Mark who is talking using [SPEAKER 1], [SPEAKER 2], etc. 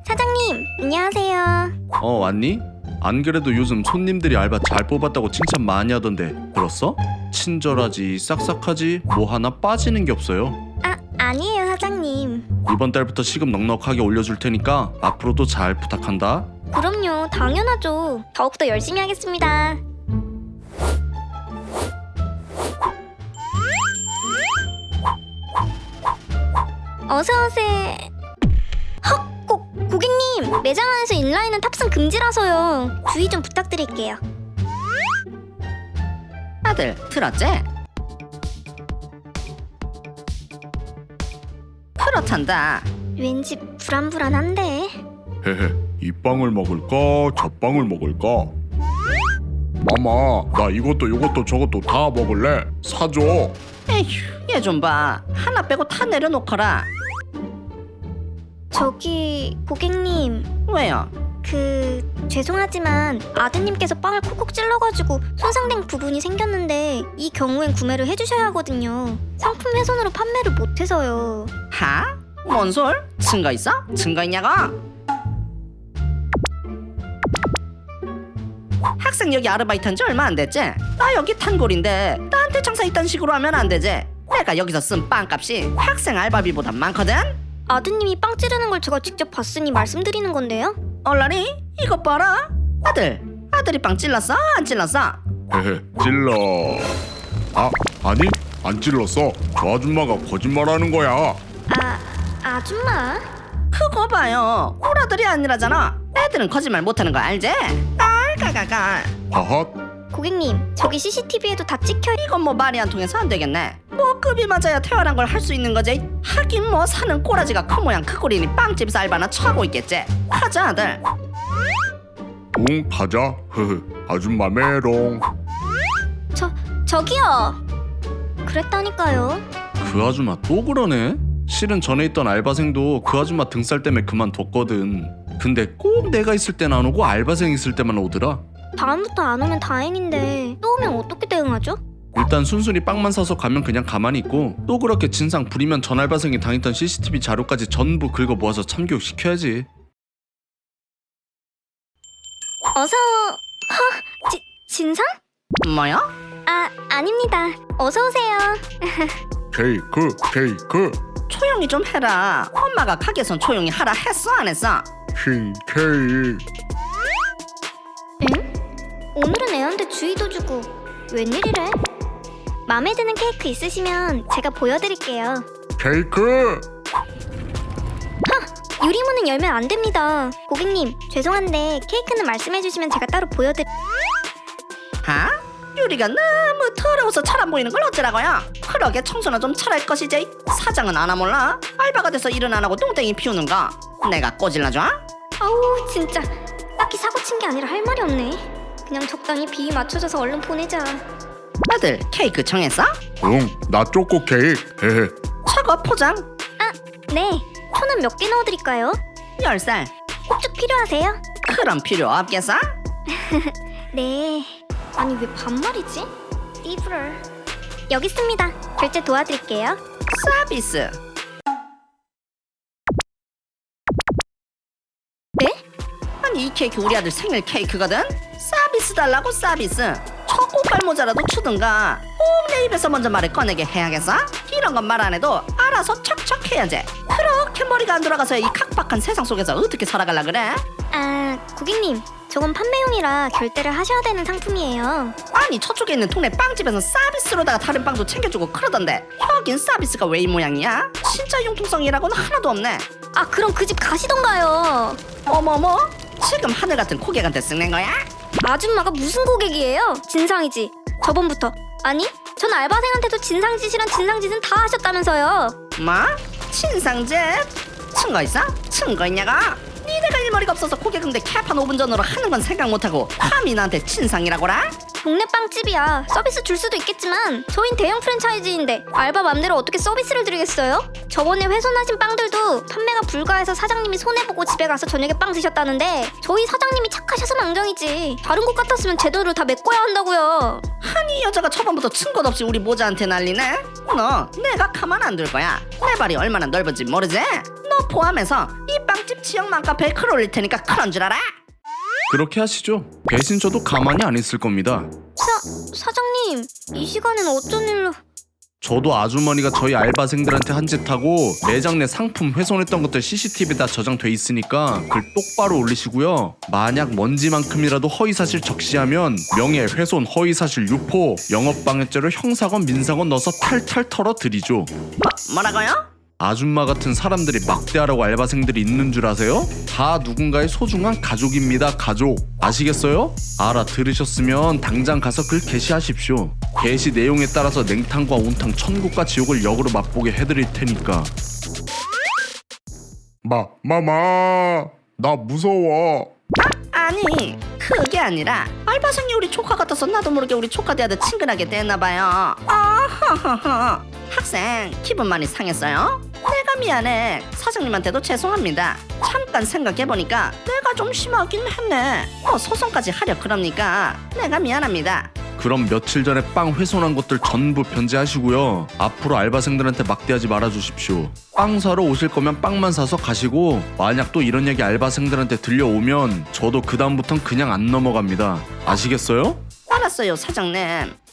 [SPEAKER 1] 사장님, 안녕하세요.
[SPEAKER 2] 왔니? 안 그래도 요즘 손님들이 알바 잘 뽑았다고 칭찬 많이 하던데 들었어? 친절하지, 싹싹하지, 뭐 하나 빠지는 게 없어요.
[SPEAKER 1] 아니에요, 사장님.
[SPEAKER 2] 이번 달부터 시급 넉넉하게 올려줄 테니까 앞으로도 잘 부탁한다.
[SPEAKER 1] 그럼요, 당연하죠. 더욱더 열심히 하겠습니다. 어서오세요. 헉! 고객님! 매장 안에서 인라인은 탑승 금지라서요. 주의 좀 부탁드릴게요.
[SPEAKER 3] 아들 들었지? 그렇단다.
[SPEAKER 1] 왠지 불안불안한데.
[SPEAKER 4] 헤헤, 이 빵을 먹을까? 저 빵을 먹을까? 마마, 나 이것도 요것도 저것도 다 먹을래. 사줘.
[SPEAKER 3] 에휴, 얘 좀 봐. 하나 빼고 다 내려놓거라.
[SPEAKER 1] 저기 고객님,
[SPEAKER 3] 왜요?
[SPEAKER 1] 죄송하지만 아드님께서 빵을 콕콕 찔러가지고 손상된 부분이 생겼는데 이 경우엔 구매를 해주셔야 하거든요. 상품 훼손으로 판매를 못해서요.
[SPEAKER 3] 하? 뭔 솔? 증거 있어? 증거 있냐고? 학생 여기 아르바이트한 지 얼마 안 됐지? 나 여기 탄골인데 나한테 장사 이딴 식으로 하면 안 되지? 내가 여기서 쓴 빵값이 학생 알바비보다 많거든?
[SPEAKER 1] 아드님이 빵 찌르는 걸 제가 직접 봤으니 말씀드리는 건데요.
[SPEAKER 3] 얼라리? 이것 봐라. 아들이 빵 찔렀어? 안 찔렀어?
[SPEAKER 4] 헤헤, 찔러. 아니, 안 찔렀어. 저 아줌마가 거짓말하는 거야.
[SPEAKER 1] 아줌마?
[SPEAKER 3] 그거 봐요. 우리 아들이 아니라잖아. 애들은 거짓말 못하는 거 알지? 깔깔깔깔.
[SPEAKER 4] 하하,
[SPEAKER 1] 고객님, 저기 CCTV에도 다 찍혀.
[SPEAKER 3] 이건 뭐 말이 안 통해서 안 되겠네. 뭐 급이 맞아야 태어난 걸 할 수 있는 거지. 하긴 뭐 사는 꼬라지가 큰 모양 크고리니 빵집 알바나 처하고 있겠지. 가자 아들.
[SPEAKER 4] 응, 가자. 흐흐, 아줌마 메롱.
[SPEAKER 1] 저기요. 그랬다니까요.
[SPEAKER 2] 그 아줌마 또 그러네? 실은 전에 있던 알바생도 그 아줌마 등살 때문에 그만뒀거든. 근데 꼭 내가 있을 땐 안 오고 알바생 있을 때만 오더라.
[SPEAKER 1] 다음부터 안 오면 다행인데 또 오면 어떻게 대응하죠?
[SPEAKER 2] 일단 순순히 빵만 사서 가면 그냥 가만히 있고, 또 그렇게 진상 부리면 전 알바생이 당했던 CCTV 자료까지 전부 긁어 모아서 참교육 시켜야지.
[SPEAKER 1] 어서. 진상?
[SPEAKER 3] 뭐요?
[SPEAKER 1] 아닙니다. 어서 오세요.
[SPEAKER 4] 케이크.
[SPEAKER 3] 조용히 좀 해라. 엄마가 가게선 조용히 하라 했어 안 했어?
[SPEAKER 4] 흰 케이크.
[SPEAKER 1] 응? 오늘은 애한테 주의도 주고 웬일이래? 마음에 드는 케이크 있으시면 제가 보여드릴게요.
[SPEAKER 4] 케이크.
[SPEAKER 1] 유리문은 열면 안 됩니다. 고객님, 죄송한데 케이크는 말씀해주시면 제가 따로 보여드릴...
[SPEAKER 3] 하? 유리가 너무 더러워서 잘 안 보이는 걸 어쩌라고요? 그러게 청소나 좀 잘할 것이지. 사장은 아나 몰라? 알바가 돼서 일은 안 하고 똥땡이 피우는 거 내가 꼬질러줘?
[SPEAKER 1] 아우 진짜 딱히 사고친 게 아니라 할 말이 없네. 그냥 적당히 비위 맞춰줘서 얼른 보내자.
[SPEAKER 3] 아들 케이크 정했어?
[SPEAKER 4] 응, 나 초코 케이크. 헤헤.
[SPEAKER 3] 저거 포장
[SPEAKER 1] 네, 초는 몇 개 넣어드릴까요?
[SPEAKER 3] 10살.
[SPEAKER 1] 꼭쭉 필요하세요?
[SPEAKER 3] 그럼 필요 없겠어?
[SPEAKER 1] 네. 아니 왜 반말이지? 띠부럴. 여기 있습니다. 결제 도와드릴게요.
[SPEAKER 3] 서비스.
[SPEAKER 1] 네?
[SPEAKER 3] 아니 이 케이크 우리 아들 생일 케이크거든? 서비스 달라고 서비스. 초코깔 모자라도 주든가 꼭 내 입에서 먼저 말을 꺼내게 해야겠어? 이런 건 말 안 해도 알아서 척척 해야지. 그렇게 머리가 안 돌아가서 이 각박한 세상 속에서 어떻게 살아갈라 그래?
[SPEAKER 1] 고객님, 저건 판매용이라 결제를 하셔야 되는 상품이에요.
[SPEAKER 3] 아니 저쪽에 있는 동네 빵집에서 서비스로다가 다른 빵도 챙겨주고 그러던데 여긴 서비스가 왜 이 모양이야? 진짜 융통성이라고는 하나도 없네.
[SPEAKER 1] 그럼 그 집 가시던가요.
[SPEAKER 3] 어머머? 지금 하늘 같은 고객한테 쓱낸 거야?
[SPEAKER 1] 아줌마가 무슨 고객이에요? 진상이지. 저번부터. 아니, 전 알바생한테도 진상짓이란 진상짓은 다 하셨다면서요.
[SPEAKER 3] 뭐? 친상집? 증거 있어? 증거 있냐고? 니네가 일머리가 없어서 고객 응대 캐판 5분 전으로 하는 건 생각 못하고 감히 나한테 친상이라고라?
[SPEAKER 1] 동네 빵집이야. 서비스 줄 수도 있겠지만 저흰 대형 프랜차이즈인데 알바 맘대로 어떻게 서비스를 드리겠어요? 저번에 훼손하신 빵들도 판매가 불가해서 사장님이 손해보고 집에 가서 저녁에 빵 드셨다는데 저희 사장님이 착하셔서 망정이지. 다른 곳 같았으면 제도를 다 메꿔야 한다고요.
[SPEAKER 3] 아니 이 여자가 초반부터 층것 없이 우리 모자한테 난리네. 너 내가 가만 안 둘 거야. 내 발이 얼마나 넓은지 모르지? 너 포함해서 이 빵집 지역 맘카페에 글 올릴 테니까 그런 줄 알아?
[SPEAKER 2] 그렇게 하시죠. 대신 저도 가만히 안 있을 겁니다.
[SPEAKER 1] 사장님, 이 시간엔 어쩐 일로...
[SPEAKER 2] 저도 아주머니가 저희 알바생들한테 한 짓 하고 매장 내 상품 훼손했던 것들 CCTV에 다 저장돼 있으니까 글 똑바로 올리시고요. 만약 먼지만큼이라도 허위사실 적시하면 명예훼손, 허위사실 유포, 영업방해죄로 형사건 민사건 넣어서 탈탈 털어드리죠.
[SPEAKER 3] 뭐라고요?
[SPEAKER 2] 아줌마 같은 사람들이 막대하라고 알바생들이 있는 줄 아세요? 다 누군가의 소중한 가족입니다. 가족. 아시겠어요? 알아들으셨으면 당장 가서 글 게시하십시오. 게시 내용에 따라서 냉탕과 온탕, 천국과 지옥을 역으로 맛보게 해드릴 테니까.
[SPEAKER 4] 마마 나 무서워.
[SPEAKER 3] 아니 그게 아니라 알바생이 우리 조카 같아서 나도 모르게 우리 조카 대하듯 친근하게 됐나봐요. 아하하하. 학생 기분 많이 상했어요? 내가 미안해. 사장님한테도 죄송합니다. 잠깐 생각해보니까 내가 좀 심하긴 했네. 소송까지 하려 그럽니까? 내가 미안합니다.
[SPEAKER 2] 그럼 며칠 전에 빵 훼손한 것들 전부 변제하시고요. 앞으로 알바생들한테 막대하지 말아주십시오. 빵 사러 오실 거면 빵만 사서 가시고 만약 또 이런 얘기 알바생들한테 들려오면 저도 그 다음부턴 그냥 안 넘어갑니다. 아시겠어요?
[SPEAKER 3] 알았어요 사장님.